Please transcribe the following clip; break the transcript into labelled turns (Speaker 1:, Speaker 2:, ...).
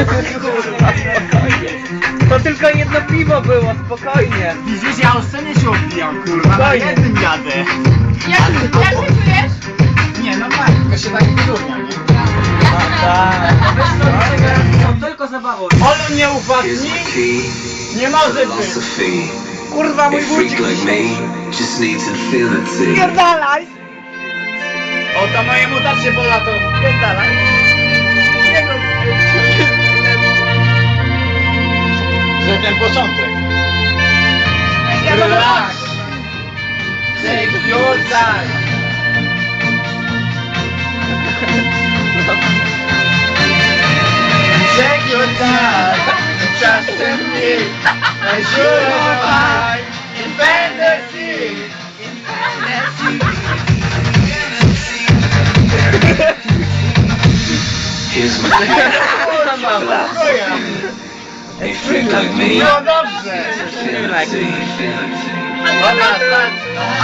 Speaker 1: Kurwa, spokojnie. To tylko jedno piwo było, spokojnie.
Speaker 2: Widzisz, ja o scenę się opijam, kurwa, na
Speaker 1: Fajnie.
Speaker 2: jednym jadę.
Speaker 3: Jak się czujesz?
Speaker 2: Nie, no fajnie, tylko się tak wyróżnia, nie?
Speaker 1: To tylko zabawą.
Speaker 2: Olu nie upadni? Nie może być.
Speaker 1: Kurwa, mój budzik. Pierdalaj!
Speaker 2: O, to mojemu tak się poda, to
Speaker 1: Pierdalaj. Jego
Speaker 2: że ten początek.
Speaker 1: Relax. Take your time.
Speaker 2: Take your time, trust in me, I should have in fantasy.
Speaker 4: Here's my
Speaker 1: Kurwa.
Speaker 4: a freak like me.
Speaker 2: No dobrze.
Speaker 4: Feel like me.
Speaker 2: Dobra, tak.